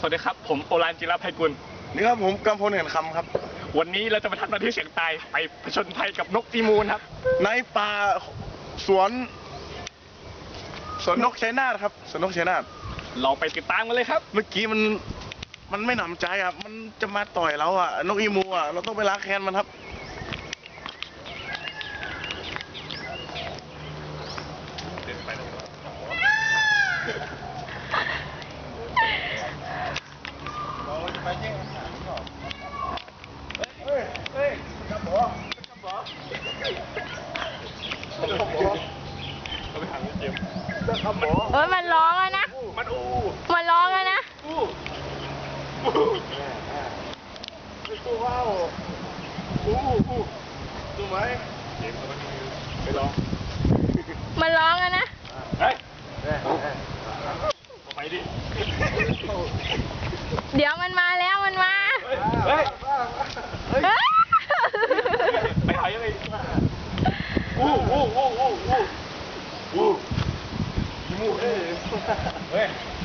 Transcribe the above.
วัสดีครับผมโอรานจิรภัยกุลนี่ครับผมกำพลเห็นคำครับวันนี้เราจะไปทำหน้าที่เสี่ยงตายไปผจญภัยกับนกอีมูนครับในป่าสวนนกชัยนาทครับสวนนกชัยนาทเราไปติดตามกันเลยครับเมื่อกี้มันไม่หนำใจอ่ะมันจะมาต่อยเราอ่ะนกอีมูอ่ะเราต้องไปล้างแค้นมันครับไปแย่งอาหารหรอเฮ้ยกระบอกเราไปหาเกมเฮ้ยมันร้องแล้วนะมันร้องแล้วนะว้าวดูไหมเกมมันไปลองมันร้องแล้วนะเฮ้ยไปดิเดี๋ยวมันมาแล้วมันมาเฮ้ยไปหายังไงมูเฮ้ย